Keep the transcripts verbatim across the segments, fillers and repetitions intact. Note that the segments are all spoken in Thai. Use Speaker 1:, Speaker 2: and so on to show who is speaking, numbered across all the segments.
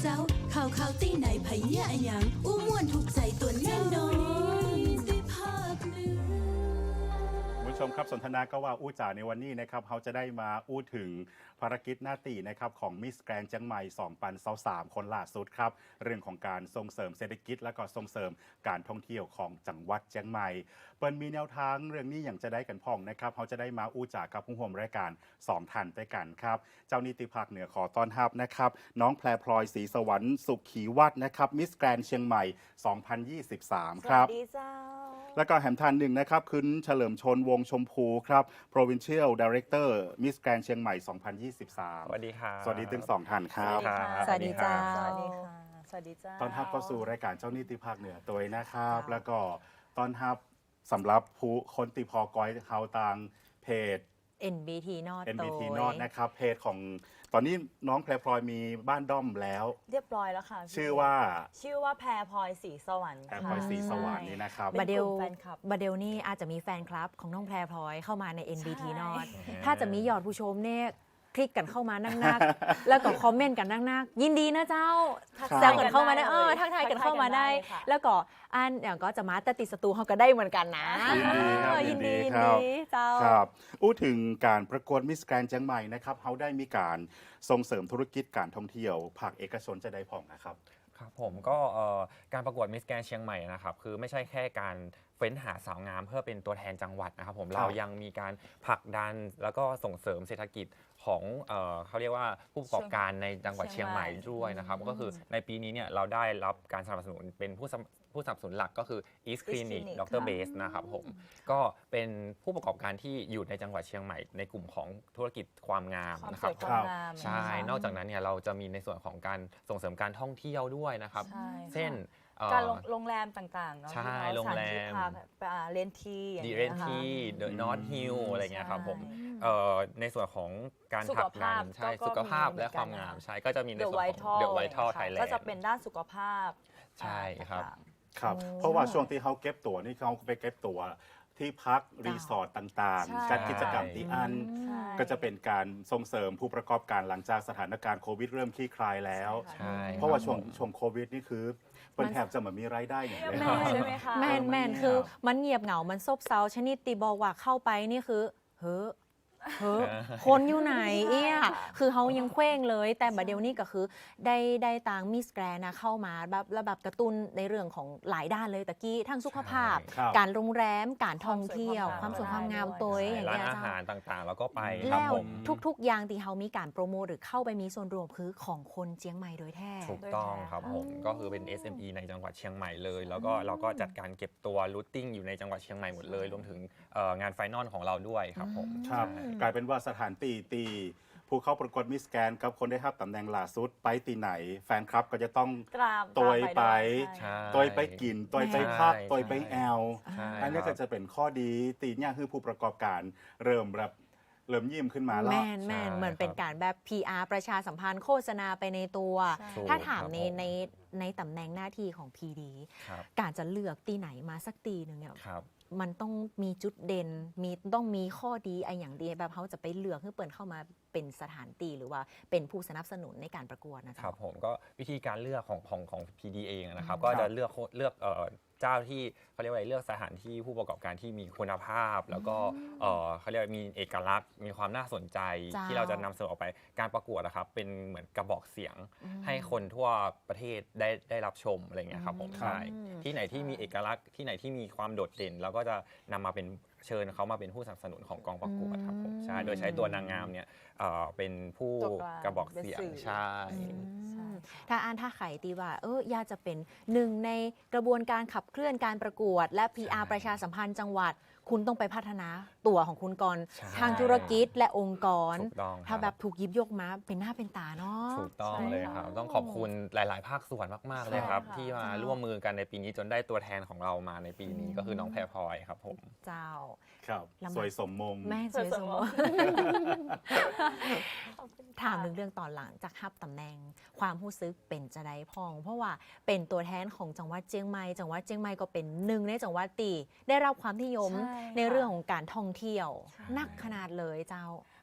Speaker 1: จ้าข่าวข่าวตีไหนไผเนี่ยอะหยังอู้ม่วนถูกใจตัวแน่นอนได้ภาคเหนือ
Speaker 2: คุณผู้ชมครับสนทนาก็ว่าอู้จ่าในวันนี้นะครับเขาจะได้มาอู้ถึงภารกิจหน้าตีนะครับของมิสแกรนด์เจียงใหม่สองพันยี่สิบสามคนล่าสุดครับเรื่องของการส่งเสริมเศรษฐกิจและก็ส่งเสริมการท่องเที่ยวของจังหวัดเจียงใหม่เปิ้นมีแนวทางเรื่องนี้อย่างจะได้กันพ่องนะครับเขาจะได้มาอู้จ่ากับผู้ร่วมรายการสองท่านด้วยกันครับเจ้านิติภาคเหนือขอต้อนรับนะครับน้องแพรพลอยศรีสวรรค์สุขขีวัฒน์นะครับมิสแกรนด์เชียงใหม่สองพันยี่สิบสามครับ
Speaker 3: สวัสดีเจ้า
Speaker 2: แล้วก็แหมทันหนึ่งนะครับคุณเฉลิมชนวงชมพูครับ Provincial Director Miss Grand เชียงใหม่ สองพันยี่สิบสาม
Speaker 4: สวัสดีครับ
Speaker 2: สวัสดีทั้งสองท่านครับ
Speaker 3: สวัสดีเจ้า
Speaker 4: ส
Speaker 3: ส
Speaker 4: วั
Speaker 3: วั
Speaker 4: ส
Speaker 3: ส
Speaker 4: ดี
Speaker 3: ดี
Speaker 4: ครั
Speaker 3: ค่ะ สวัสดีเจ้า
Speaker 2: ตอนทับเข้าสู่รายการเจ้านิติภาคเหนือตัวนะครับ
Speaker 3: ครับ
Speaker 2: แล้วก็ตอนทับสำหรับผู้คนติพอกอยเขาต่างเพจ
Speaker 3: เอ็น บี ที นอต
Speaker 2: เอ็น บี ที นอต นะครับเพจของตอนนี้น้องแพรพลอยมีบ้านด้อมแล้ว
Speaker 3: เรียบร้อยแล้วค่ะพี่
Speaker 2: ชื่อว่า
Speaker 3: ชื่อว่าแพรพลอยสีสวรรค์
Speaker 2: แพรพลอยศรีสวรรค์นี่นะครับ
Speaker 3: เป็น
Speaker 5: บาเด
Speaker 3: ก
Speaker 5: ล
Speaker 3: ลุ่มแฟนคลับ
Speaker 5: บาเดลนี่อาจจะมีแฟนคลับของน้องแพรพลอยเข้ามาใน เอ็น บี ที
Speaker 3: ใช่
Speaker 5: นอตถ้าจะมียอดผู้ชมเนี่ยคลิกกันเข้ามานักๆ แล้วก็คอมเมนต์กันนักๆ ยินดีนะเจ้า
Speaker 3: ทัก
Speaker 2: ครับ
Speaker 5: แซวกันเข้ามาได้เออ
Speaker 3: ลย
Speaker 5: ทักทายกันเข้ามาได้
Speaker 3: ทักทยกันค่ะ
Speaker 5: แล้วก็อันอย่างก็จะมาแต่ติดสตูเขาก็ได้เหมือนกันนะ
Speaker 2: ยินดีครับ
Speaker 5: เออ
Speaker 2: ยิ
Speaker 5: ยิ
Speaker 2: น
Speaker 5: น
Speaker 2: ดี
Speaker 5: ดียิน
Speaker 2: ครับ
Speaker 5: ดีเจ้า
Speaker 2: ครับอู้ถึงการประกวดมิสแกรนด์เชียงใหม่นะครับเขาได้มีการส่งเสริมธุรกิจการท่องเที่ยวภาคเอกชนจะได้ผ่องนะครับ
Speaker 4: ครับผมก็เอ่อการประกวดมิสแกรนเชียงใหม่นะครับคือไม่ใช่แค่การเฟ้นหาสาวงามเพื่อเป็นตัวแทนจังหวัดนะครับผม
Speaker 2: ครับ
Speaker 4: เรายังมีการผลักดันแล้วก็ส่งเสริมเศรษฐกิจของเอ่อเขาเรียกว่าผู้ประกอบการในจังหวัดเชียงใหม่ด้วยนะครับก็คือในปีนี้เนี่ยเราได้รับการสนับสนุนเป็นผู้สนับผู้สนับสนุนหลักก็คือ East Clinic
Speaker 3: Clinic
Speaker 4: ดร Base นะครับผมก็เป็นผู้ประกอบการที่อยู่ในจังหวัดเชียงใหม่ในกลุ่มของธุรกิจความงาม
Speaker 3: ความ
Speaker 4: นะ
Speaker 3: ส
Speaker 4: ครั
Speaker 3: วย
Speaker 4: บ
Speaker 3: ความงาม
Speaker 4: ใช่ นอกจากนั้นเนี่ยเราจะมีในส่วนของการส่งเสริมการท่องเที่ยวด้วยนะครับ
Speaker 3: ใช่ค่ะ
Speaker 4: เช่นเอ่อ
Speaker 3: การโรงโรงแรมต่างๆเนาะ
Speaker 4: ใช่
Speaker 3: ที่เนาะ
Speaker 4: โรงแรม
Speaker 3: สถานที่พักอ่าเรนทีอย่าง
Speaker 4: ดี
Speaker 3: งี้ย
Speaker 4: เรน
Speaker 3: นะคะ
Speaker 4: ทีเดอะนอตฮิลอะไรเงี้ยครับผม
Speaker 3: ใช่
Speaker 4: เอ่อในส่วนของการ
Speaker 3: สุ
Speaker 4: ผ
Speaker 3: ข
Speaker 4: ลักดั
Speaker 3: ภาพ
Speaker 4: นใช่
Speaker 3: ก็
Speaker 4: สุขภาพ
Speaker 3: มี
Speaker 4: และ
Speaker 3: เหมือนกัน
Speaker 4: ความงาม
Speaker 3: นะคะ
Speaker 4: ใช่ก็จะมีใน
Speaker 3: The
Speaker 4: ส่วนของ
Speaker 3: Vital
Speaker 4: เดอะไวท์ทัล
Speaker 3: ค่ะ
Speaker 4: ไทยแลนด์
Speaker 3: ก็จะเป็นด้านสุขภาพ
Speaker 4: ใช่ครับ
Speaker 3: ต่าง
Speaker 2: ครับเพราะว่าช่วงที่เขาเก็บตั๋วนี่เขาไปเก็บตั๋วที่พักรีสอร์ทต่าง
Speaker 3: ใช่
Speaker 2: ๆจัดกิจกรรมที่อัน
Speaker 3: ๆใช่
Speaker 2: ก็จะเป็นการส่งเสริมผู้ประกอบการหลังจากสถานการณ์โควิดเริ่มคลี่คลายแล้ว
Speaker 3: ใช่
Speaker 4: ใช่
Speaker 2: เพราะว่าช่วง
Speaker 4: คบผม
Speaker 2: ช่วงโควิดนี่คือเป็นแทบจะเหมือนมีรายได้อย่างเลย
Speaker 5: แม่
Speaker 3: ใช่ไหมคะ
Speaker 5: แมน
Speaker 2: เออ
Speaker 5: แมน
Speaker 2: มันเงียบ
Speaker 5: คือมันเงียบเหงา มันซบเซาชนิดตีบอกว่าเข้าไปนี่คือ เฮ้อเฮ้อคนอยู่ไหนเอี้ยคือเขายังเคว้งเลย แต่บัดเดี๋ยวนี้ก็คือได้ได้ตางมิสแกรนนะเข้ามาแบบระบบกระตุ้นในเรื่องของหลายด้านเลยตะกี้ทั้งสุขภาพ
Speaker 2: ครับ
Speaker 5: การโรงแรมการท่องเที่ยวคาว
Speaker 3: ความ ม
Speaker 5: ส
Speaker 3: ส
Speaker 5: ว
Speaker 3: วย ย
Speaker 5: ความงาง
Speaker 3: ความาม ม
Speaker 5: ตัว
Speaker 3: ด้วย
Speaker 5: อย่าง
Speaker 4: ร้าน
Speaker 5: เงี้ย
Speaker 4: อา
Speaker 5: เจ้า
Speaker 4: หารต่างๆ แล้วก็ไปครั
Speaker 5: แล้
Speaker 4: บ
Speaker 5: ว
Speaker 4: ผม
Speaker 5: ทุกๆ อย่างที่เขามีการโปรโมทหรือเข้าไปมีส่วนรวมคือของคนเจียงใหม่โดยแท้
Speaker 4: ถูกต้องครับผมก็คือเป็น เอส เอ็ม อี ในจังหวัดเชียงใหม่เลย แล้วก็เราก็จัดการเก็บตัวรูทติ้งอยู่ในจังหวัดเชียงใหม่หมดเลย รวมถึงเอ่องานไฟนอลของเราด้วยครับผม
Speaker 2: ครับ
Speaker 4: ใช่
Speaker 2: กลายเป็นว่าสถานตีตีผู้เข้าประกวดมิสแกรนกับคนได้รับตำแหน่งล่าสุดไปตีไหน แฟนคลับก็จะต้อง
Speaker 3: กราบ
Speaker 2: ตัวไป
Speaker 4: ใช่
Speaker 2: ตัวไปกินตัวไปพัก
Speaker 4: ใช่
Speaker 2: ตัวไปแอล
Speaker 4: ใช่
Speaker 2: อันนี้
Speaker 4: ค
Speaker 2: ก็
Speaker 4: รับ
Speaker 2: จะเป็นข้อดีตีเนี่ยคือผู้ประกอบการเริ่มแบบเริ่มยิ้มขึ้นมาแล้ว
Speaker 5: แม่นแม่น
Speaker 4: ใช่
Speaker 5: เหมือนเป็นการแบบ พี อาร์ ประชาสัมพันธ์โฆษณาไปในตัว
Speaker 3: ใช่
Speaker 4: ถูก
Speaker 5: ถ้าถาม
Speaker 4: ครับ
Speaker 5: ใน
Speaker 4: ผม
Speaker 5: ในในตำแหน่งหน้าที่ของ พี ดี
Speaker 4: ครับ
Speaker 5: การจะเลือกตีไหนมาสักตีหนึ่งเนี่ย
Speaker 4: ครับ
Speaker 5: มันต้องมีจุดเด่น มีต้องมีข้อดีไออย่างดีแบบเขาจะไปเลือกให้เปิดเข้ามาเป็นสถานตีหรือว่าเป็นผู้สนับสนุนในการประกวดนะ
Speaker 4: ค
Speaker 5: จ๊ะ
Speaker 4: รับผมก็วิธีการเลือกของของของ พี ดี เองนะครับ
Speaker 5: อืม
Speaker 4: ก็จะเลือกเลือกเอ่อเจ้าที่เขาเรียกว่าอะไรเลือกสถานที่ผู้ประกอบการที่มีคุณภาพ แล้วก็เอ่อเขาเรียกว่ามีเอกลักษณ์ มีความน่าสนใจ
Speaker 5: เจ้า
Speaker 4: ที่เราจะนำเสนอออกไปการประกวดนะครับเป็นเหมือนกระบอกเสียง
Speaker 5: อืม
Speaker 4: ให้คนทั่วประเทศได้ได้รับชมอะไรเงี้ยครับผม
Speaker 5: อืม
Speaker 4: ใช่ที่ไหนที่มีเอกลักษณ์ที่ไหนที่มีความโดดเด่นเราก็จะนำมาเป็นเชิญเขามาเป็นผู้สนับสนุนของกองประกวดครับผมใช่โดยใช้ตัวนางงามเนี่ยเอ่อเป็นผู้
Speaker 3: ตัวกลาง
Speaker 4: กระบอกเสียง
Speaker 3: เป็นสื่อ
Speaker 4: ใช่
Speaker 3: ใช่
Speaker 5: ถ้าอ่านถ้าไขตีว่า เอออยากจะเป็นหนึ่งในกระบวนการขับเคลื่อนการประกวด และ พี อาร์
Speaker 4: ใช่
Speaker 5: ประชาสัมพันธ์จังหวัด คุณต้องไปพัฒนาตัวของคุณก่อน
Speaker 4: ใช่
Speaker 5: ทางธุรกิจและองค์กร
Speaker 4: ถูกต้อง
Speaker 5: ถ้า
Speaker 4: ครับ
Speaker 5: แบบถูกหยิบยกมาเป็นหน้าเป็นตาเนาะ
Speaker 4: ถูกต้อง
Speaker 3: ใช่
Speaker 4: เลย
Speaker 3: ค่ะ
Speaker 4: ครับ ต้องขอบคุณหลาย ๆ ภาคส่วนมาก ๆ เลยครับ
Speaker 3: ใช่ค่ะ
Speaker 4: ที่มา
Speaker 5: เจ้า
Speaker 4: ร่วมมือกันในปีนี้จนได้ตัวแทนของเรามาในปีนี้ก็คือน้องแพรพลอยครับผม
Speaker 5: เจ้า
Speaker 2: ครับ
Speaker 5: ลำบาก
Speaker 2: สวยสมมง
Speaker 5: แม่สวยสม
Speaker 3: สวยสม ขอบคุณค่ะ
Speaker 5: ถามถึงเรื่องตอนหลังจากฮับตำแหน่ง ความรู้สึกเป็นจะได้พอง เพราะว่าเป็นตัวแทนของจังหวัดเชียงใหม่จังหวัดเชียงใหม่ก็เป็นหนึ่งในจังหวัดตีได้รับความนิยม
Speaker 3: ใช่ค่ะ
Speaker 5: ในเรื่องของการท่องเที่ยว
Speaker 4: ใช่
Speaker 5: นักขนาดเลยเจ้า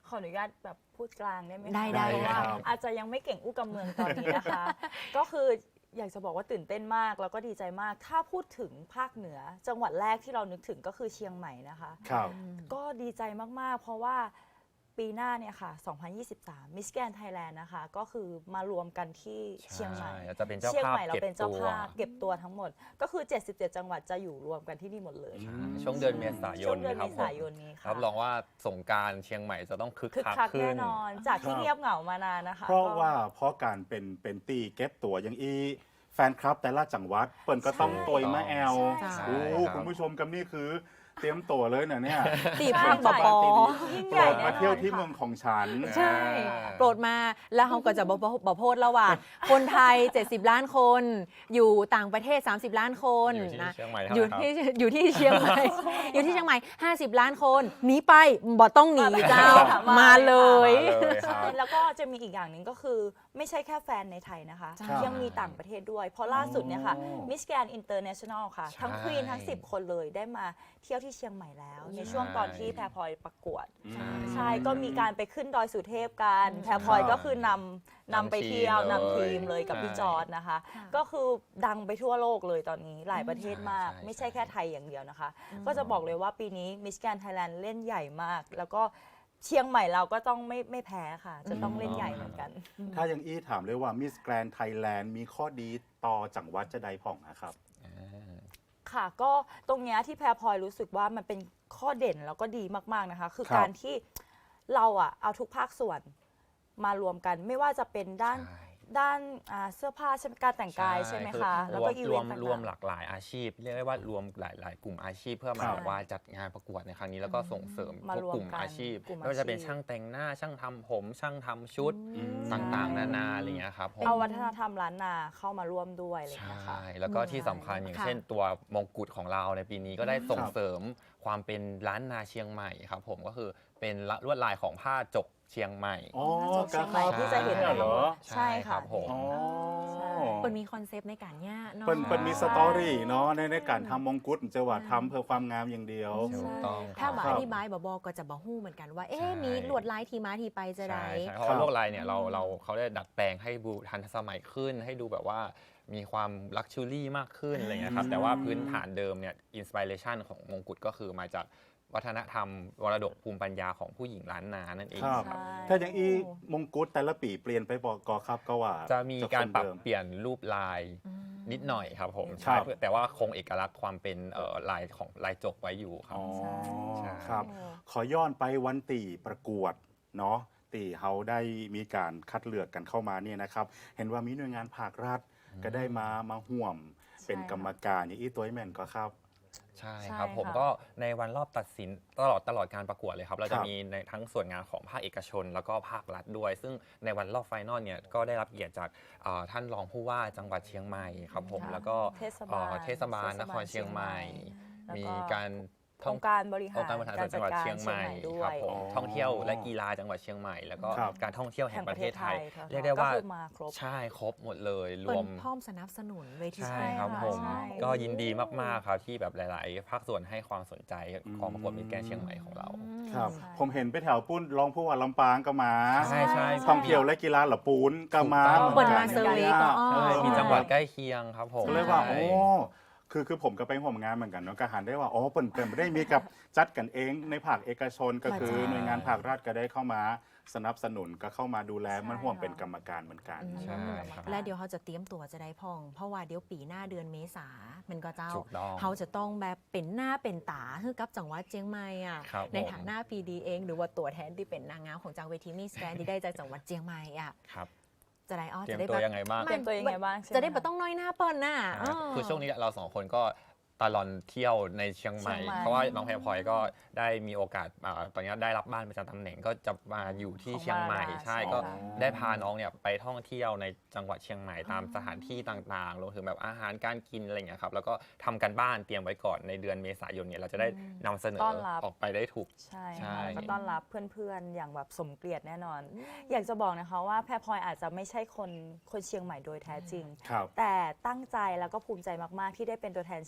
Speaker 3: ขออนุญาตแบบพูดกลางได้ไหมคะ
Speaker 5: ได้ได้
Speaker 3: เพราะว่า
Speaker 2: ครับ
Speaker 3: อาจจะยังไม่เก่งอู้กำเมืองตอนนี้นะคะ ก็คืออยากจะบอกว่าตื่นเต้นมากแล้วก็ดีใจมาก ถ้าพูดถึงภาคเหนือ จังหวัดแรกที่เรานึกถึงก็คือเชียงใหม่นะคะ
Speaker 2: ครับ
Speaker 3: ก็ดีใจมาก ๆ เพราะว่าปีหน้าเนี่ยค่ะ สองพันยี่สิบสาม Miss Grand Thailand นะคะ ก็คือมารวมกันที่เชียงใหม่
Speaker 4: ใช่จะเป็นเจ้า
Speaker 3: เชียง
Speaker 4: ภาพ
Speaker 3: ใหม่เรา
Speaker 4: เก็บ
Speaker 3: เป็นเจ้า
Speaker 4: ตัว
Speaker 3: ภาพเก็บตัวทั้งหมด ก็คือ เจ็ดสิบเจ็ด จังหวัดจะอยู่รวมกันที่นี่หมดเลย
Speaker 2: อืม
Speaker 4: ช่วงเดือนเมษาย
Speaker 3: ช่วน งเดือน
Speaker 4: ครั
Speaker 3: เม
Speaker 4: บผ
Speaker 3: ษาม ยนนี้ค่ะ
Speaker 4: รับรองว่าสงกรารเชียงใหม่จะต้องคึก
Speaker 3: คึก
Speaker 4: คัก
Speaker 3: คัก
Speaker 4: ขึ้
Speaker 3: แน่
Speaker 4: น
Speaker 3: นอน จากที่
Speaker 2: ครับ
Speaker 3: เงียบเหงามานานนะคะ
Speaker 2: เพราะ
Speaker 3: ก็
Speaker 2: ว่าเพราะการเป็นเป็นตีเก็บตัวอย่างอีแฟนคลับแต่ละจังหวัดเปิ่นก็ต้อง
Speaker 3: ใช่
Speaker 2: ตัวมาแอล
Speaker 3: ใช่
Speaker 2: โอ้
Speaker 4: ครับ
Speaker 2: คุณผู้ชมกับนี่คือเตรียมตัวเลยนะเนี่ย
Speaker 5: ตีภาคบปอ
Speaker 3: ยิ่ง
Speaker 2: โป
Speaker 3: ให
Speaker 2: ร
Speaker 3: ญ่
Speaker 2: ด
Speaker 3: แน่
Speaker 2: มาน เที่ยว
Speaker 3: อน
Speaker 2: ที่
Speaker 3: ค่ะ
Speaker 2: เมืองของฉัน
Speaker 5: ใช่ โปรดมาแล้วเขาก็จะบอกบอกโพดแล้วว่า คนไทย เจ็ดสิบ ล้านคน อยู่ต่างประเทศ สามสิบ ล้านคน
Speaker 4: อยู่ที่
Speaker 5: นะ
Speaker 4: เชียงใหม่
Speaker 5: อ
Speaker 4: เท่า
Speaker 5: ยู่
Speaker 4: นั้นครับ
Speaker 5: ที่อยู่ที่เชียงใหม่ อยู่ที่เชียงใหม่ ห้าสิบ ล้านคนหนีไปบ่ต้องหนีเจ้า
Speaker 3: มา
Speaker 5: มาเลย
Speaker 4: มาเลยค
Speaker 3: ใช่
Speaker 4: รับ
Speaker 3: แล้วก็จะมีอีกอย่างหนึ่งก็คือไม่ใช่แค่แฟนในไทยนะคะ
Speaker 5: ใช่
Speaker 3: ยังมีต่างประเทศด้วย เพราะล่าสุดเนี่ยค่ะ
Speaker 2: อ๋อ
Speaker 3: มิสแกรนอินเตอร์เนชั่นแนลค่ะ ทั้ง
Speaker 4: ใช่
Speaker 3: ควีนทั้ง สิบ คนเลยได้มาเที่ยวที่เชียงใหม่แล้ว ในช่วงตอนที่แพรพลอยประกวด
Speaker 2: อืม
Speaker 3: ใช่ ก็มีการไปขึ้นดอยสุเทพกัน แพรพลอยก็คือนำนำไปเที่ยวนำทีมเลยกับพี่จอร์ดนะคะ ก็คือดังไปทั่วโลกเลยตอนนี้หลายประเทศมาก
Speaker 4: ใช่ใช่
Speaker 3: ไม่ใช่แค่ไทยอย่างเดียวนะคะ ก็จะบอกเลยว่าปีนี้มิสแกรนไทยแลนด์เล่นใหญ่มาก แล้วก็เชียงใหม่เราก็ต้องไม่ไม่แพ้ค่ะ จะต้องเล่นใหญ่เหมือนกัน
Speaker 2: ถ้าอย่างอี้ถามเลยว่ามิสแกรนไทยแลนด์มีข้อดีต่อจังหวัดจะใดผ่องนะครับ
Speaker 3: ค่ะก็ตรงเนี้ยที่แพรพลอยรู้สึกว่ามันเป็นข้อเด่นแล้วก็ดีมากๆนะคะ คือ
Speaker 2: ครับ
Speaker 3: การที่เราอะเอาทุกภาคส่วนมารวมกันไม่ว่าจะเป็นด้าน
Speaker 4: ใช่
Speaker 3: ด้านอ่าเสื้อผ้าใช่ไหมการแต่งกายใช่ไหมคะ
Speaker 4: อ
Speaker 3: แล้ว
Speaker 4: ร
Speaker 3: ก็
Speaker 4: วม
Speaker 3: อี
Speaker 4: ร
Speaker 3: เว
Speaker 4: วน ม
Speaker 3: ต์ต่าง
Speaker 4: รวม
Speaker 3: ๆ
Speaker 4: หลากหลายอาชีพ เรียกได้ว่ารวมหลายหลายกลุ่มอาชีพ เพื่อมา
Speaker 2: ครับ
Speaker 4: แบบว่าจัดงานประกวดในครั้งนี้แล้วก็ส่งเสริม
Speaker 3: มา
Speaker 4: ทุก
Speaker 3: รวม
Speaker 4: กลุ่ม
Speaker 3: กัน
Speaker 4: อาชีพ
Speaker 3: กลุ่ม
Speaker 4: ไม่ว่าจะเป็น
Speaker 3: อาชีพ
Speaker 4: ช่างแต่งหน้าช่างทำผม ช่างทำชุด
Speaker 2: อืม
Speaker 4: ต่างๆ นานาอะไรอย่างเงี้ยครับผม
Speaker 3: เอาวัฒนธรรมล้านนาเข้ามาร่วมด้วยอะไรอย่าง
Speaker 4: ใช่
Speaker 3: เงี้ยค่ะ
Speaker 4: แล้วก็ที่สำคัญอย่าง
Speaker 5: ค่ะ
Speaker 4: เช่นตัวมงกุฎของเราในปีนี้ก็ได้ส่ง
Speaker 2: ครับ
Speaker 4: เสริมความเป็นล้านนาเชียงใหม่ครับผมก็คือเป็นลวดลายของผ้าจกเชียงใหม่
Speaker 2: อ๋อ
Speaker 3: เชียงใหม่
Speaker 2: กร
Speaker 3: ที่จะเห็น
Speaker 2: เหรอ
Speaker 3: ใช่ค่ะ
Speaker 4: ครับผม
Speaker 2: อ๋อ
Speaker 3: ใช่
Speaker 5: เปิดมีคอนเซปต์ในการย่าเนาะ
Speaker 2: เปิ้นเปิ้นมีสตอรี่เนาะในในการทำมงกุฎจะว่าทำเพื่อความงามอย่างเดียว
Speaker 4: ถูกต้อง
Speaker 5: ถ้า
Speaker 4: ค
Speaker 5: บ
Speaker 4: รั
Speaker 5: อบ อธิบายบอบอก็จะบอฮู้เหมือนกันว่า เอ๊ะ
Speaker 4: ใช่
Speaker 5: มีลวดลายทีมาทีไปจะใด
Speaker 4: ใช่ใช่เพราะว่าลวดลายเนี่ยเราเราเขาได้ดัดแปลงให้ดูทันสมัยขึ้น ให้ดูแบบว่ามีความลักชัวรี่มากขึ้นอะไรเงี้ยครับแต่ว่าพื้นฐานเดิมเนี่ยอินสปิเรชันของมงกุฎก็คือมาจากวัฒนธรรมมรดกภูมิปัญญาของผู้หญิงล้านนานั่นเอง
Speaker 2: ครับ
Speaker 4: ครับ
Speaker 2: ถ้าอย่างอีมงกุฎแต่ละปีเปลี่ยนไปบอกกอครับก็ว่า
Speaker 4: จะมีการปรับ
Speaker 2: คนเดิม
Speaker 4: เปลี่ยนรูปลายนิดหน่อยครับผม
Speaker 2: ครั
Speaker 4: ใช่
Speaker 2: บ
Speaker 4: แต่ว่าคงเอกลักษณ์ความเป็นเอ่อลายของลายจกไว้อยู่ครับ
Speaker 2: อ๋อ
Speaker 4: ใช่
Speaker 2: ครับ ขอย้อนไปวันตีประกวดเนาะตีเขาได้มีการคัดเลือกกันเข้ามาเนี่ยนะครับ เห็นว่ามีหน่วยงานภาครัฐก็ได้มามาห่วมเป็นกรรมการอย่างอีตัวแม่นก็ครับ
Speaker 4: ใช่
Speaker 3: ใช่
Speaker 4: ครับผม
Speaker 3: ค่ะ
Speaker 4: ก็ในวันรอบตัดสินตลอดตลอดการประกวดเลยครับ เรา
Speaker 2: ค
Speaker 4: จะ
Speaker 2: รับ
Speaker 4: มีในทั้งส่วนงานของภาคเอกชน แล้วก็ภาครัฐด้วย ซึ่งในวันรอบไฟนอลเนี่ยก็ได้รับเกียรติจากเอ่อท่านรองผู้ว่าจังหวัดเชียงใหม่ครับผม
Speaker 3: ค่ะ
Speaker 4: แล้วก็
Speaker 3: เทศบาล
Speaker 4: เอ่อเทศบาลนครเชียงใหม่
Speaker 3: แล้วก็
Speaker 4: มีการ
Speaker 3: องค์การบริหาร
Speaker 4: องค์การบริหารส่วนจังหวัดเชียงใหม่
Speaker 3: ด้
Speaker 4: คว รับ
Speaker 3: ย
Speaker 4: ผม
Speaker 2: อ๋อ
Speaker 4: ท่องเที่ยวและกีฬาจังหวัดเชียงใหม่ แล้วก็
Speaker 2: ครับ
Speaker 4: การท่องเที่ยวแห่งประเทศไทย
Speaker 3: ค่ะ
Speaker 4: เรียกได้ว่า
Speaker 3: ก็คือมาครบ
Speaker 4: ใช่ครบหมดเลยร
Speaker 5: เปิ
Speaker 4: ว
Speaker 5: ด
Speaker 4: ม
Speaker 5: พร้อมสนับสนุนเวที
Speaker 4: ใช่
Speaker 3: ใช่
Speaker 4: ครับ
Speaker 3: ค่ะ
Speaker 4: ผม
Speaker 3: ใช่
Speaker 4: ก็ยินดีมากๆครับที่แบบหลาย ๆ ภาคส่วนให้ความสนใจของประกวดมิสแกรนด์เชียงใหม่ของเรา
Speaker 2: ครับ
Speaker 3: ใช่
Speaker 2: ผมเห็นไปแถวปุ้นรองผู้ว่าลำปางก็มา
Speaker 4: ใช่ใช่
Speaker 2: ท่องเที่ยวและกีฬาเหล่าปูนก็มา
Speaker 4: ถูกต้อง
Speaker 2: เหมือนกัน
Speaker 5: เปิดมาเซอร์เวย์ก็อ้อ
Speaker 4: ใช่มีจังหวัดใกล้เคียงครับผม
Speaker 2: ก็เลยว่า
Speaker 4: ใช่
Speaker 2: โอ้คือคือผมก็ไปห่วมงานเหมือนกันเนาะก็หันได้ว่าอ๋อเปิ่นเปิ่นไม่ได้มีกับจัดกันเองในภาคเอกชนก็คือ
Speaker 5: ใช่
Speaker 2: หน่วยงานภาครัฐก็ได้เข้ามาสนับสนุนก็เข้ามาดูแล
Speaker 3: ใช่
Speaker 2: มันห่วม
Speaker 3: ค่ะ
Speaker 2: เป็นกรรมการเหมือนกัน
Speaker 4: ใช่ครับ
Speaker 5: และเดี๋ยวเขาจะเตรียมตัวจะได้พอง เพราะว่าเดี๋ยวปีหน้าเดือนเมษามันก็เจ้า
Speaker 4: ถูกต้อง
Speaker 5: เขาจะต้องแบบเป็นหน้าเป็นตาคือกับจังหวัดเชียงใหม่อ่ะ
Speaker 4: ครับ
Speaker 5: ใน
Speaker 4: ผม
Speaker 5: ฐานะพีดีเอง หรือว่าตัวแทนที่เป็นนางงามของจังเวทีมิสแกรนที่ได้จากจังหวัดเชียงใหม่อ่ะ
Speaker 4: ครับ
Speaker 5: จะได้อ๋อ
Speaker 4: เตรีย
Speaker 5: จะ
Speaker 4: ม
Speaker 5: ได้
Speaker 4: ตัว
Speaker 5: แบบ
Speaker 4: ยังไงบ้าง
Speaker 3: เตรียมตัวยังไงบ้างใช่ไหม
Speaker 5: จะได้แบบต้องน้อยหน้าเปิ้ลน่ะ
Speaker 4: ครับ
Speaker 5: เ
Speaker 4: คือช่วงนี้เราสองคนก็ตลอดเที่ยวในเชียงใหม่
Speaker 3: เชียงใหม่
Speaker 4: เพราะว่าน้องแพรพลอยก็ได้มีโอกาสอ่าตอนนี้ได้รับบ้านประจำตำแหน่งก็จะมาอยู่ที่เชียงใหม่
Speaker 3: ของบ้าน
Speaker 4: ใช่
Speaker 3: ใช่
Speaker 4: ก็
Speaker 3: ค่ะ
Speaker 4: ได้พาน้องเนี่ยไปท่องเที่ยวในจังหวัดเชียงใหม่ตามสถานที่ต่างๆรวมถึงแบบอาหารการกินอะไรอย่างเงี้ยครับแล้วก็ทำกันบ้านเตรียมไว้ก่อนในเดือนเมษายนเนี่ยเราจะได้นำเสนอ
Speaker 3: ต้อนรับ
Speaker 4: ออกไปได้ถูก
Speaker 3: ใช่
Speaker 4: ใช่
Speaker 3: ค่ะแล้วก็ต้อนรับเพื่อนๆ อย่างแบบสมเกียรติแน่นอน อยากจะบอกนะคะว่าแพรพลอยอาจจะไม่ใช่คนคนเชียงใหม่โดยแท้จริง
Speaker 2: ครับ
Speaker 3: แต่ตั้งใจแล้วก็ภูมิใจมากๆ ที่ได้เป็นตัวแทนเชียงใหม่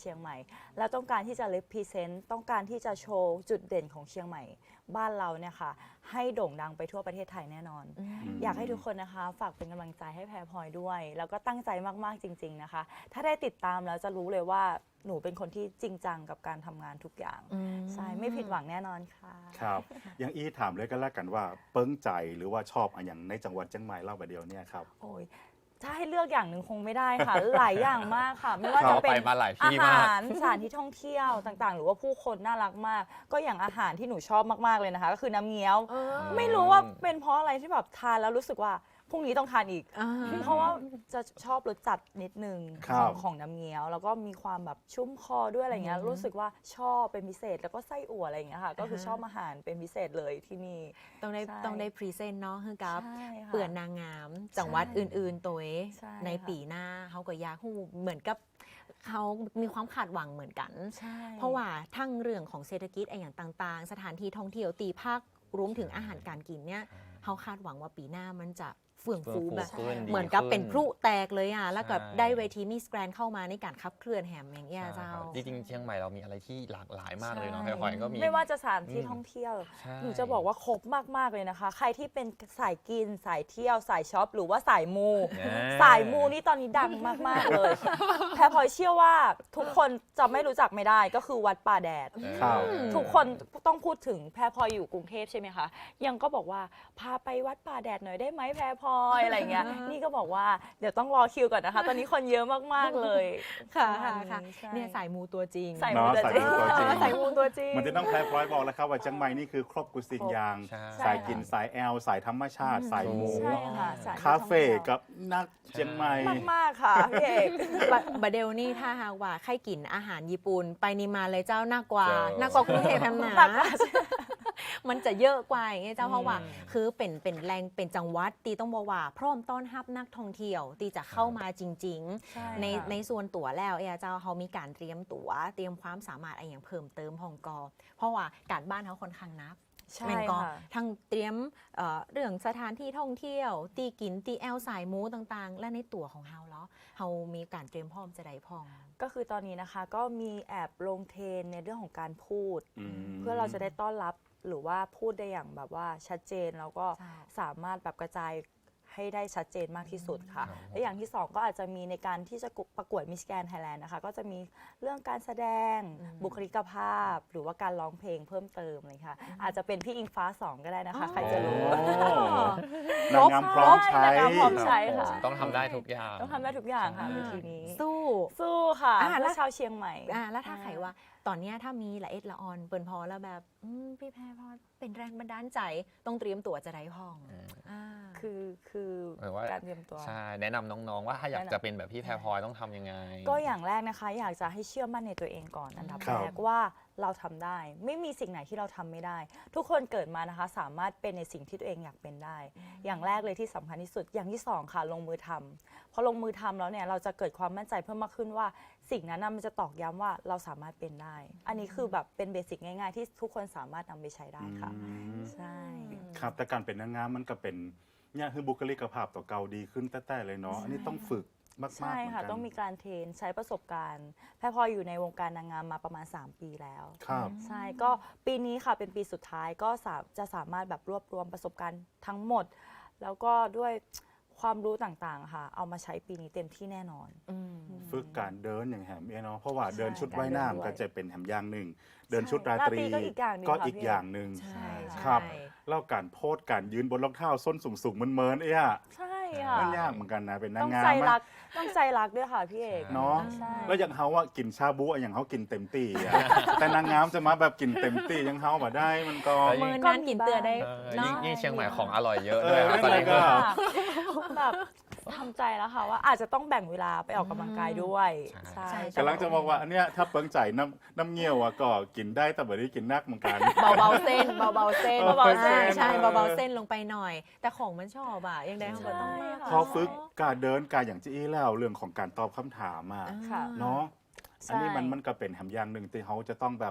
Speaker 3: แล้วต้องการที่จะ represent ต้องการที่จะโชว์จุดเด่นของเชียงใหม่บ้านเราเนี่ยค่ะให้โด่งดังไปทั่วประเทศไทยแน่นอน อยากให้ทุกคนนะคะฝากเป็นกำลังใจให้แพรพลอยด้วย แล้วก็ตั้งใจมากๆจริงๆนะคะ ถ้าได้ติดตามแล้วจะรู้เลยว่าหนูเป็นคนที่จริงจังกับการทำงานทุกอย่างใช่ไม่ผิดหวังแน่นอนค่ะ
Speaker 2: ครับอย่างอีถามเลยก็แล้วกันว่าเปิ้งใจหรือว่าชอบอะไรอย่างในจังหวัดเชียงใหม่เล่าแบบเดียวเนี่ยครับ
Speaker 3: โอ้ยถ้าให้เลือกอย่างหนึ่งคงไม่ได้ค่ะ หลายอย่างมากค่ะ ไม่ว่า
Speaker 2: ครั
Speaker 3: จะ
Speaker 2: บ
Speaker 3: เป็น
Speaker 4: ไปมาหลายที่
Speaker 3: อา
Speaker 4: มา
Speaker 3: หาก รสถานที่ท่องเที่ยวต่างๆ หรือว่าผู้คนน่ารักมาก ก็อย่างอาหารที่หนูชอบมากๆเลยนะคะ ก็คือน้ำเงี้ยว ไม่รู้ว่าเป็นเพราะอะไรที่แบบทานแล้วรู้สึกว่าพรุ่งนี้ต้องทานอีก เพราะว่าจะชอบรสจัดนิดนึง
Speaker 2: ครั
Speaker 3: ข
Speaker 2: บ
Speaker 3: องของน้ำเงี้ยว แล้วก็มีความแบบชุ่มคอด้วยอะไรเงี้ยรู้สึกว่าชอบเป็นพิเศษแล้วก็ไส้อั่วอะไรอย่างเงี้ยค่ะ ก็คือชอบอาหารเป็นพิเศษเลยที่นี่
Speaker 5: ต้องได้
Speaker 3: ใช่
Speaker 5: ต้องได้พรีเซนต์เนาะคือกับ
Speaker 3: ใช่ค่ะ
Speaker 5: เปื่อนนางงามจังหวัดอื่นๆ ตัวเอง
Speaker 3: ใช่
Speaker 5: ใน
Speaker 3: ค่ะ
Speaker 5: ปีหน้าเขาก็อยากฮู้เหมือนกับเขามีความคาดหวังเหมือนกัน
Speaker 3: ใช่
Speaker 5: เพราะว่าทั้งเรื่องของเศรษฐกิจไอ้อย่างต่างๆ สถานที่ท่องเที่ยวตีภาครวมถึงอาหารการกินเนี่ยเขาคาดหวังว่าปีหน้ามันจะเฟื่องฟูแบบ
Speaker 4: ขึ้น
Speaker 5: เหมือนกับเป็นพลุ
Speaker 4: ดี
Speaker 5: แตกเลยอ่ะ แล้วก็
Speaker 4: ใช่
Speaker 5: ได้เวทีมิสแกรนเข้ามาในการขับเคลื่อนแหมอย่างเงี้ย
Speaker 4: ใช่
Speaker 5: เจ้า
Speaker 4: ครับจริงๆเชียงใหม่เรามีอะไรที่หลากหลายมากเลยเนาะ
Speaker 3: ใช่
Speaker 4: แพรพลอยก็มี
Speaker 3: ไม่ว่าจะสถานที่
Speaker 4: อืม
Speaker 3: ท่องเที่ยว
Speaker 4: ใช่
Speaker 3: หนูจะบอกว่าครบมาก ๆ เลยนะคะ ใครที่เป็นสายกิน สายเที่ยว สายช็อป หรือว่าสายมู
Speaker 4: เนี่ย
Speaker 3: สายมูนี่ตอนนี้ดังมาก ๆ เลย แพรพลอยเชื่อว่าทุกคนจะไม่รู้จักไม่ได้ก็คือวัดป่าแดด
Speaker 2: ครับ
Speaker 3: ทุกคนต้องพูดถึงแพรพลอยอยู่กรุงเทพใช่ไหมคะ ยังก็บอกว่าพาไปวัดป่าแดดหน่อยได้ไหมแพรพลอยอะไรเงี้ย นี่ก็บอกว่าเดี๋ยวต้องรอคิวก่อนนะคะ ตอนนี้คนเยอะมาก ๆ เลย
Speaker 5: ค่ะ
Speaker 3: ประ
Speaker 5: ค่ะ
Speaker 3: มาณ
Speaker 5: ค่ะ
Speaker 3: ใช่
Speaker 5: เนี่ยสายมูตัวจริง
Speaker 3: สายมูตัวจริง
Speaker 2: เนาะสายมูตัวจริง
Speaker 3: สายมูตัวจริง
Speaker 2: มันจะต้องแพรพลอยบอกแล้วครับว่าเชียงใหม่นี่คือครบกุสิ่งอย่าง
Speaker 4: ใช่
Speaker 2: สายกินสายแอลสายธรรมชาติ สายหมู
Speaker 3: ใช่ค่ะสย
Speaker 2: คาเฟ่กับนักเชียงใหม่
Speaker 3: มาก ๆ ค่ะพี่เอก
Speaker 5: บะบะเดลนี่ถ้าหากว่าใครกินอาหารญี่ปุ่นไปนิมาเลยเจ้าน่ากว่า
Speaker 4: เจ้า
Speaker 5: น่ากว่ากรุงเทพแฮมหนา
Speaker 3: หนักกว่า
Speaker 5: มันจะเยอะกว่าอย่างเงี้ยเจ้าเพราะว่า
Speaker 4: อืม
Speaker 5: คือเป็นเป็นแรงเป็นจังหวัดตีต้องบอกว่า พร้อมต้อนรับนักท่องเที่ยวตีจะเข้ามาจริง
Speaker 3: ใช่
Speaker 5: ๆ ใน
Speaker 3: ค่ะ
Speaker 5: ในส่วนตั๋วแล้วเอยเจ้าเขามีการเตรียมตั๋วเตรียมความสามารถอะไรอย่างเพิ่มเติมของกอเพราะว่าการบ้านเขาค่อนข้างนัก
Speaker 3: ใช่
Speaker 5: แม่นก็
Speaker 3: ค่ะ
Speaker 5: ทั้งเตรียมเอ่อเรื่องสถานที่ท่องเที่ยว ตีกินตีแอลสายมูต่างๆ และในตั๋วของเฮาเนาะเฮามีการเตรียมพร้อมจะได้พอง
Speaker 3: ก็คือตอนนี้นะคะก็มีแอบลงเทรนในเรื่องของการพูด
Speaker 2: อืม
Speaker 3: เพื่อเราจะได้ต้อนรับหรือว่าพูดได้อย่างแบบว่าชัดเจนแล้วก็
Speaker 5: ใช่
Speaker 3: สามารถแบบกระจายให้ได้ชัดเจนมากที่สุดค่ะ
Speaker 4: ครับ
Speaker 3: และอย่างที่สองก็อาจจะมีในการที่จะประกวดมิสแกรน Thailand นะคะก็จะมีเรื่องการแสดง
Speaker 5: อืม
Speaker 3: บุคลิกภาพ หรือว่าการร้องเพลงเพิ่มเติมเลยค่ะ อาจจะเป็นพี่อิงฟ้าสองก็ได้นะคะ ใครจะรู้
Speaker 2: โอ้นางงามพร้อมใช้
Speaker 3: นางงามพร้อมใช้ ค่ะ
Speaker 4: ต้องทำได้ทุกอย่าง
Speaker 3: ต้องทำได้ทุกอย่างค่ะ
Speaker 4: ใช่
Speaker 3: เวทีนี้
Speaker 5: สู้
Speaker 3: สู้ค่ะ
Speaker 5: อ่าแล้
Speaker 3: เพื่
Speaker 5: ว
Speaker 3: อชาวเชียงใหม่
Speaker 5: อ่าแล้วถ้าใครว่าตอนเนี้ยถ้ามีละเอ็ดละออนเปินพอแล้วแบบอืมพี่แพรพอเป็นแรงบันดาลใจต้องเตรียมตั๋วจะได้พอง
Speaker 4: อืม
Speaker 5: อ่า
Speaker 3: คือคือ
Speaker 4: หมายว่า
Speaker 3: การเตรียมตัว
Speaker 4: ใช่แนะนำน้องๆว่าถ้าอยาก
Speaker 3: แนะนำ
Speaker 4: จะเป็นแบบพี่แพรพลอยต้องทำยังไง
Speaker 3: ก็อย่างแรกนะคะ อยากจะให้เชื่อมั่นในตัวเองก่อนอันดับ
Speaker 2: ครับ
Speaker 3: แรกว่าเราทำได้ ไม่มีสิ่งไหนที่เราทำไม่ได้ ทุกคนเกิดมานะคะ สามารถเป็นในสิ่งที่ตัวเองอยากเป็นได้ อย่างแรกเลยที่สำคัญที่สุดอย่างที่สองค่ะลงมือทำพอลงมือทำแล้วเนี่ยเราจะเกิดความมั่นใจเพิ่มมากขึ้นว่าสิ่งนั้นน่ะมันจะตอกย้ำว่าเราสามารถเป็นได้ อันนี้คือแบบเป็นเบสิกง่ายๆ ที่ทุกคนสามารถนำไปใช้ได้ค่ะ
Speaker 2: อืม
Speaker 3: ใช่
Speaker 2: ครับแต่การเป็นนางงามมันก็เป็นเนี่ยคือบุคลิกภาพต่อเก่าดีขึ้นแต่ๆเลยเนาะอันนี้ต้องฝึกมากๆ
Speaker 3: ใช่
Speaker 2: เหมือน
Speaker 3: ค่ะ
Speaker 2: กัน
Speaker 3: ต้องมีการเทรนใช้ประสบการณ์ แพรพลอยอยู่ในวงการนางงามมาประมาณ สาม ปีแล้ว
Speaker 2: ครับ
Speaker 3: ใช่ก็ปีนี้ค่ะเป็นปีสุดท้ายก็สาจะสามารถแบบรวบรวมประสบการณ์ทั้งหมด แล้วก็ด้วยความรู้ต่างๆค่ะ เอามาใช้ปีนี้เต็มที่แน่นอน
Speaker 5: อืม
Speaker 2: ฝึกการเดินอย่างแหมเอยเนาะเพราะว่า
Speaker 3: ใช่
Speaker 2: เดินชุดว่าย
Speaker 3: การเดิน
Speaker 2: น้ำ
Speaker 3: ด้วย
Speaker 2: ก็จะเป็นแหมอย่างหนึ่ง เดินชุดรา
Speaker 3: รา
Speaker 2: ต
Speaker 3: ตรี
Speaker 2: รี
Speaker 3: ก็อีกอย่างหนึ่ง
Speaker 2: ก็
Speaker 3: ค่ะ
Speaker 2: อีก
Speaker 3: พี่
Speaker 2: อย่างหนึ่ง
Speaker 5: ใช่
Speaker 2: ครับ
Speaker 5: ใช่
Speaker 2: แล้วการโพสการยืนบนรองเท้าส้นสูงๆเมินๆเอ้ย
Speaker 3: ใช่ค่ะ
Speaker 2: มันยากเหมือนกันนะเป็นนา
Speaker 3: ต้อง ง
Speaker 2: งาม
Speaker 3: ใจ
Speaker 2: อะ
Speaker 3: รักต้องใจรักด้วยค่ะพี่เอก
Speaker 2: เนาะ
Speaker 3: ใช่
Speaker 2: แล้วอย่างเฮาว่ากินชาบูอะอย่างเฮากินเต็มที่อะ แต่นางงามจะมาแบบกินเต็มที่อยังเฮาบ่ได้มันก็
Speaker 4: แล้วยิ่
Speaker 5: เมิ
Speaker 4: ง
Speaker 5: นนานกินเตือได้
Speaker 4: เออ
Speaker 5: เนาะ
Speaker 4: ยิ่งยิ่งเชียงใหม่ของอร่อยเยอะ
Speaker 2: เอ
Speaker 4: ด้วย
Speaker 2: อ
Speaker 4: ครับตอนนี้
Speaker 2: นั่นแหละก็
Speaker 4: ก็
Speaker 3: ค่ะแบบทำใจแล้วค่ะว่าอาจจะต้องแบ่งเวลาไปออกกำลังกายด้วย
Speaker 4: ใช่
Speaker 3: ใช่
Speaker 2: กำลังจะบอกว่าอันเนี้ยถ้าเปิงใจน้ำน้ำเงี้ยวอะก็กินได้แต่บ่ได้กินนักเหมือนกัน
Speaker 5: เบาๆเส้นเบาๆเส้น
Speaker 2: เบาๆเส้น
Speaker 5: ใช่
Speaker 2: เออ
Speaker 5: เบาๆเส้นลงไปหน่อย แต่ของมันชอบอ่ะยังไงเขาก็ต้องมาก
Speaker 2: พอฝึกการเดินการอย่างจี้แล้วเรื่องของการตอบคำถามอะ
Speaker 3: ค่ะ
Speaker 2: เนาะ
Speaker 3: ใช่
Speaker 2: อันนี้มันมันก็เป็นแหมอย่างหนึ่งที่เขาจะต้องแบบ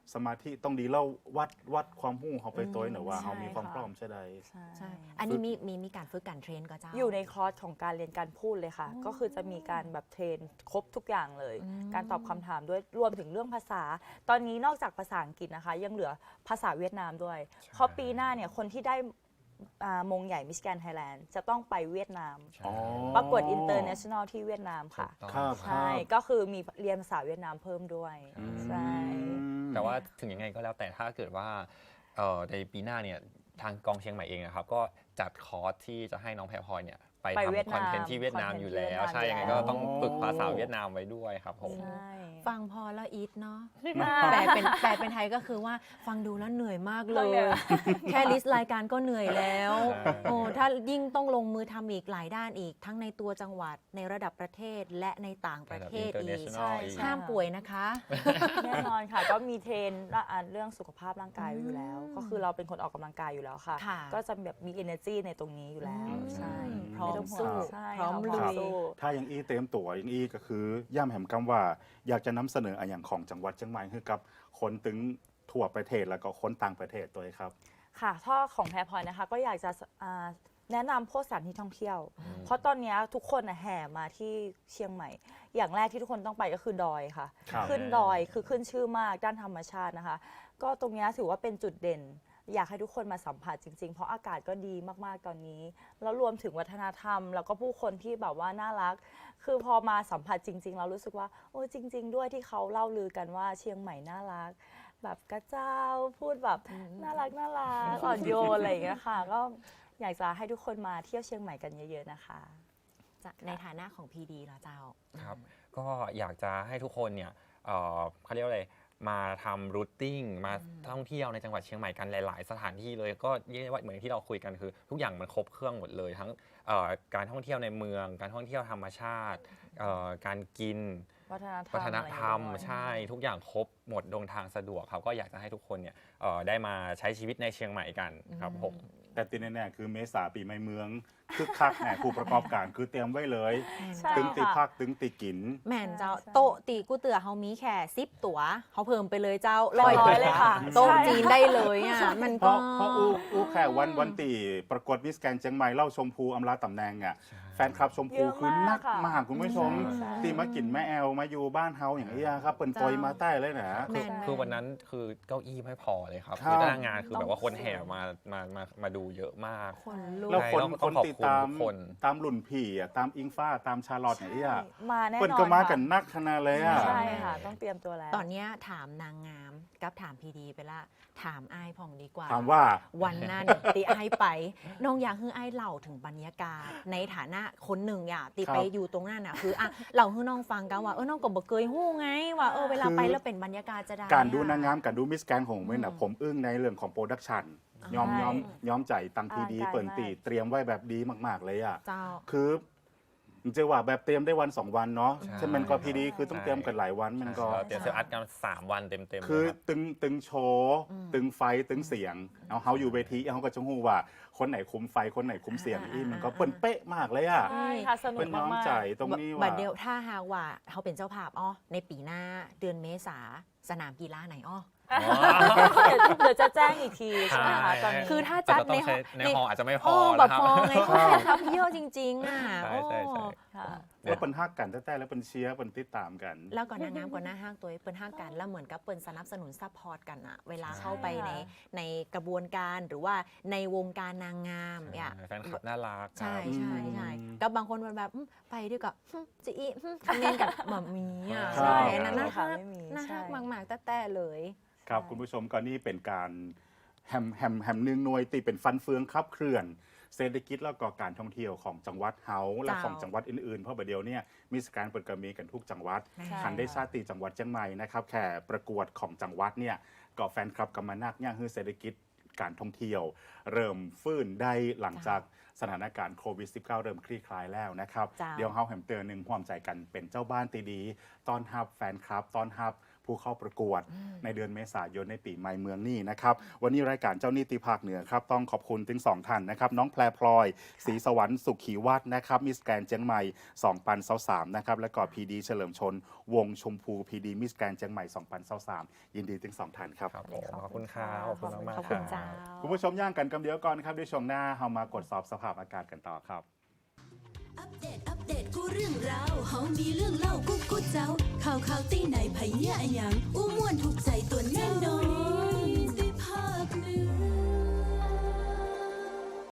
Speaker 2: สมาธิต้องดีแล้ววัดวัดความหู้เขาไปตัวหน่อยว่า
Speaker 3: ใช่
Speaker 2: เขามีความ
Speaker 3: ค่ะ
Speaker 2: พร้อมใช่ใด
Speaker 3: ใช่
Speaker 5: ใช่ อันนี้มีมีมีการฝึกการเทรนก็เจ้า
Speaker 3: อยู่ในคอร์สของการเรียนการพูดเลยค่ะ ก็คือจะมีการแบบเทรนครบทุกอย่างเลย
Speaker 5: อืม
Speaker 3: การตอบคำถามด้วยรวมถึงเรื่องภาษา ตอนนี้นอกจากภาษาอังกฤษนะคะ ยังเหลือภาษาเวียดนามด้วย เพราะปีหน้าเนี่ยคนที่ได้อ่ามงใหญ่มิสแกนไทยแลนด์จะต้องไปเวียดนาม
Speaker 2: อ๋อ
Speaker 3: ประกวดอินเตอร์เนชั่นแนลที่เวียดนามค่ะ
Speaker 2: ครับ
Speaker 3: ใช่ ก็คือมีเรียนภาษาเวียดนามเพิ่มด้วย
Speaker 2: อืม
Speaker 3: ใช่
Speaker 4: แต่ว่าถึงยังไงก็แล้วแต่ถ้าเกิดว่าเอ่อในปีหน้าเนี่ยทางกองเชียงใหม่เองนะครับก็จัดคอร์สที่จะให้น้องแพรพลอยเนี่ยไป
Speaker 3: ไปเวียด
Speaker 4: ทำคอนเทน
Speaker 3: นาม
Speaker 4: ต์ที่เวียดนาม
Speaker 3: คอนเทนต์
Speaker 4: อยู่แล้ว
Speaker 3: ที่เวียดนาม
Speaker 4: ใช่ยังไง
Speaker 3: อยู่
Speaker 4: ก็
Speaker 3: แล้ว
Speaker 4: ต้องฝึกภาษาเวียดนามไว้ด้วยครับผม
Speaker 3: ใช่
Speaker 5: ฟังพอแล้วอีทเนาะ
Speaker 3: อ่า
Speaker 5: แปลเป็นแปลเป็นไทยก็คือว่าฟังดูแล้วเหนื่อยมากเล
Speaker 3: เราเหนื่
Speaker 5: ย
Speaker 3: อย
Speaker 5: แค่ลิสต์รายการก็เหนื่อยแล้ว
Speaker 4: ใช่
Speaker 5: โอ้ถ้ายิ่งต้องลงมือทำอีกหลายด้านอีก ทั้งในตัวจังหวัดในระดับประเทศและในต่างประเทศอีก
Speaker 4: international อีก
Speaker 5: ห้ามป่วยนะคะ
Speaker 3: แน่นอนค่ะ ก็มีเทรนอ่ะเรื่องสุขภาพร่างกายไว้อยู่แล้ว ก็คือเราเป็นคนออกกำลังกายอยู่แล้วค่ะ
Speaker 5: ค่ะ
Speaker 3: ก็จะแบบมี energy ในตรงนี้อยู่แล้ว
Speaker 2: อืม
Speaker 3: ใช่
Speaker 5: พร้อม
Speaker 3: ไต้งห่วง
Speaker 5: สู้
Speaker 3: ใช่
Speaker 5: พร้อม
Speaker 3: ค่ะ
Speaker 5: ลุย
Speaker 3: สู้
Speaker 2: ถ้ายังอีเต็มตัวยังอีก็คือย่ำแหมคำว่าอยากจะนำเสนออะอย่างของจังหวัดเชียงใหม่คือกับคนถึงทั่วประเทศแล้วก็คนต่างประเทศตัวเองครับ
Speaker 3: ค่ะถ้าของแพรพลอยนะคะ ก็อยากจะอ่าแนะนำพวกสถานที่ท่องเที่ยว เพราะตอนเนี้ยทุกคนน่ะแห่มาที่เชียงใหม่ อย่างแรกที่ทุกคนต้องไปก็คือดอยค่ะ
Speaker 2: ครับ
Speaker 3: ขึ้นดอยคือขึ้นชื่อมากด้านธรรมชาตินะคะ ก็ตรงเนี้ยถือว่าเป็นจุดเด่น อยากให้ทุกคนมาสัมผัสจริงๆ เพราะอากาศก็ดีมากๆตอนนี้ แล้วรวมถึงวัฒนธรรม แล้วก็ผู้คนที่แบบว่าน่ารัก คือพอมาสัมผัสจริง ๆ เรารู้สึกว่าโอ้จริง ๆ ด้วยที่เขาเล่าลือกันว่าเชียงใหม่น่ารัก แบบกระเจ้าพูดแบบน่ารักน่ารักอ่อนโยนอะไรอย่างเงี้ยค่ะ ก็อยากจะให้ทุกคนมาเที่ยวเชียงใหม่กันเยอะๆนะคะ
Speaker 5: จะในฐานะของพีดีเหรอเจ้า
Speaker 4: ครับก็อยากจะให้ทุกคนเนี่ยเอ่อเขาเรียกว่าอะไรมาทำรูทติ้งมาท่องเที่ยวในจังหวัดเชียงใหม่กันหลาย ๆ สถานที่เลยก็เรียกได้ว่าเหมือนที่เราคุยกันคือ ทุกอย่างมันครบเครื่องหมดเลย ทั้งเอ่อการท่องเที่ยวในเมือง การท่องเที่ยวธรรมชาติเอ่อการกิน
Speaker 3: วัฒนธรรม
Speaker 4: วัฒนธรรม
Speaker 3: อะไรอย่างเงี้ยด้วย
Speaker 4: ใช่ทุกอย่างครบหมดเดินทางสะดวกครับก็อยากจะให้ทุกคนเนี่ยเอ่อได้มาใช้ชีวิตในเชียงใหม่กันครับผม
Speaker 2: แต่ตีแน่ๆคือเมษาปีใหม่เมืองคึกคักแหน่ผู้ประกอบการคือเตรียมไว้เลย
Speaker 3: ใช่
Speaker 2: ตึงตี
Speaker 3: ค่ะ
Speaker 2: พักตึงตีกิน
Speaker 5: แม่นเจ้า
Speaker 3: ใช่
Speaker 5: โต๊ะตีกูเตือเขามีแค่ซิปตั๋วเขาเพิ่มไปเลยเจ้า
Speaker 3: ร้อยเลยค่ะ
Speaker 5: โต๊ะ
Speaker 3: ใช่
Speaker 5: จีนได้เลยอ่ะมัน
Speaker 2: เพ
Speaker 5: ก็
Speaker 2: ราะเพราะอู้อู้แค่วันวันตีประกวดมิสแกนเชียงใหม่เล่าชมพูอำลาตำแหน่งอ่ะแฟนคลับชมพู
Speaker 3: เยอะ
Speaker 2: คือนัก
Speaker 3: มากค่ะ
Speaker 2: มากคุณผู้ชม
Speaker 3: ใช่
Speaker 2: ตีมากินแม่แอลมาอยู่บ้านเฮาอย่างนี้ยครับเปิ่นปอยมาใต้เลยนะ
Speaker 5: แม่น
Speaker 4: คือวันนั้นคือเก้าอี้ไม่พอเลยครับ
Speaker 2: ครับ
Speaker 4: คือหน้างานคือแบบว่าคนแห่มามามามาดูเยอะมาก
Speaker 5: คนลุก
Speaker 2: แล้วคน
Speaker 4: ใช่
Speaker 2: ค
Speaker 4: ต้อน งขอบ
Speaker 2: ติด
Speaker 4: คุณ
Speaker 2: ตาม
Speaker 4: ทุกคน
Speaker 2: ตามหลุ่นผีอ่ะตามอิงฟ้าตามชาลอตอย่างนี้ย
Speaker 3: มาแน่นอน
Speaker 2: เปิ่นก็มากัน
Speaker 3: ค่ะ
Speaker 2: นักขนาดเลยอ่ะ
Speaker 3: ใช่ค่ะ ต้องเตรียมตัวแล้ว
Speaker 5: ตอนเนี้ยถามนางงามกับถามพีดีไปละ ถามไอ้ายผ่องดีกว่า
Speaker 2: ถามว่า
Speaker 5: วันนั้น ตีไอ้ายไป น้องอยากให้ไอ้ายเล่าถึงบรรยากาศ ในฐานะคนหนึ่งอย่าตี
Speaker 2: ครับ
Speaker 5: ไปอยู่ตรงนั้นน่ะคืออ่ะเราให้น้องฟังกันว่าเออน้องก็บอกเคยหู้ไง ว่าเออเวลาไปแล้วเป็นบรรยากาศจะได้
Speaker 2: การดู
Speaker 5: อะ
Speaker 2: นางงามการดูมิสแกนของผมเนี่ยนะ
Speaker 5: อืม
Speaker 2: ผมอึ้งในเรื่องของโปรดักชันยอม
Speaker 3: ใช่
Speaker 2: ยอมยอมใจตังทีดี
Speaker 3: อลังการ
Speaker 2: เปิ่นตี
Speaker 3: มาก
Speaker 2: เตรียมไว้แบบดีมากๆเลยอ่ะ
Speaker 5: เจ้า
Speaker 2: คือมันจะว่าแบบเตรียมได้วันสองวันเนาะ
Speaker 4: ใช่
Speaker 2: ใช่มันก็พีดีคือต้อง
Speaker 4: ใช่
Speaker 2: เตรียมกันหลายวันมันก็
Speaker 4: เราเตรียมเซลล์อัดกันสามวันเต็มๆเลย
Speaker 2: คือ
Speaker 4: ครับ
Speaker 2: ตึงตึงโชว์
Speaker 5: อืม
Speaker 2: ตึงไฟตึงเสียงเอาเฮาอยู่เวทีเขาก็จะหู้ว่า คนไหนคุมไฟคนไหนคุมเสียง
Speaker 5: อ่า
Speaker 2: อีมัน
Speaker 5: อ่า
Speaker 2: ก็เปิ่นเป๊ะมากเลยอ่ะ
Speaker 3: ใช่ค่ะ สนุ
Speaker 2: เป็
Speaker 3: ก
Speaker 2: นน้อง
Speaker 3: มาก
Speaker 2: ใจ
Speaker 3: ๆ
Speaker 2: ตรงนี้
Speaker 5: บั
Speaker 2: ว่า
Speaker 5: ดเดียวถ้าหากว่าเขาเป็นเจ้าภาพอ้อในปีหน้าเดือนเมษาสนามกีฬาไหนอ้อ
Speaker 3: เดี๋ยวจะแจ้งอีกทีใช่ไหมคะตอนนี้
Speaker 5: คือถ้าจัดใน
Speaker 4: แต่ต้องใช้ในฮอลล์อาจจะไม่พอ
Speaker 5: โอ้
Speaker 4: นะ
Speaker 5: แบบ
Speaker 4: ครับ
Speaker 5: พอไงเขาแค่ทับเยี่ยวจริง ๆ อ่ะ
Speaker 4: ใช่ใช่ใช่
Speaker 5: โอ้
Speaker 3: ค่ะ
Speaker 2: แล้วเปิ่นฮักกันแต่ๆแล้วเปิ่นเชียร์เปิ่นติดตามกัน
Speaker 5: แล้วก่อนนางงามก่อนหน้าห้างตัวเปิ้นห้างกันแล้วเหมือนกับเปิ้นสนับสนุนซัพพอร์ตกันอะเวลาเข้าไปใน
Speaker 3: ใช่ค่ะ
Speaker 5: ในกระบวนการหรือว่าในวงการนางงามเนี่ย
Speaker 4: แฟนคลับน่ารัก
Speaker 5: ใช่
Speaker 4: ครับ
Speaker 5: ใช่ใช่
Speaker 2: อืม
Speaker 5: กับบางคนมันแบบอืมไปด้วยกับอืมจะอีอืมคอมเมนต์กับหม่ามีอ่ะ
Speaker 2: ใช่
Speaker 5: ใช่
Speaker 3: ไม่
Speaker 5: นั่น
Speaker 3: มี
Speaker 5: น่า
Speaker 3: ค่ะ
Speaker 5: ฮัก
Speaker 3: ไม่มี
Speaker 5: น่าฮัก
Speaker 3: ใช่
Speaker 5: มากๆแต่ๆเลย
Speaker 2: ครับ
Speaker 3: ใช่
Speaker 2: คุณผู้ชมก็นี่เป็นการแฮมแฮมแฮมหนึ่งหน่วยตีเป็นฟันเฟืองขับเคลื่อน เศรษฐกิจแล้วก็การท่องเที่ยวของจังหวัดเฮาและ
Speaker 5: เจ้า
Speaker 2: ของจังหวัดอื่นๆ เพราะประเดี๋ยวเนี่ยมีสการเปิดกระมีกันทุกจังหวัด
Speaker 5: ใช่
Speaker 2: ทันได้ชาติจังหวัดเชียงใหม่นะครับแค่ประกวดของจังหวัดเนี่ยก็แฟนคลับกำมานักย่างฮือเศรษฐกิจการท่องเที่ยว เริ่มฟื้นได้หลังจากสถานการณ์โควิด สิบเก้า เริ่มคลี่คลายแล้วนะครับ
Speaker 5: เจ้า
Speaker 2: เดี๋ยวเฮาแฮมเตอร์หนึ่งความใจกันเป็นเจ้าบ้านตีดีต้อนรับแฟนคลับต้อนรับผู้เข้าประกวดในเดือนเมษายนในปีใหม่เมืองนี่นะครับวันนี้รายการเจ้านิติภาคเหนือครับต้องขอบคุณถึงสองท่านนะครับน้องแพรพลอยศรีสวรรค์สุขีวัฒน์นะครับมิสแกรนเจียงใหม่สองพันยี่สิบสามนะครับและก็พีดีเฉลิมชนวงชมพูพีดีมิสแกรนเจียงใหม่สองพันยี่สิบสามยินดีถึงสองท่านครับ
Speaker 4: ครับผมขอบคุณครับขอบคุณมาก
Speaker 3: ขอบ
Speaker 4: ๆค
Speaker 3: คุ
Speaker 4: รั
Speaker 3: ณเจ้า
Speaker 4: บ
Speaker 2: คุณผู้ชมย่างกันกำเดียวก่อนครับด้วยช่วงหน้าเรามากดสอบสภาพอากาศกันต่อครับ
Speaker 1: อัปเดต อัปเดต กูเรื่องราวเฮามีเรื่องเล่ากูกูเจ้า ข่าวข่าวตีไหนไผเหี้ยอะหยังอู้ม่วนถูกใจตัวแน่นอนได้ภาคเหนือ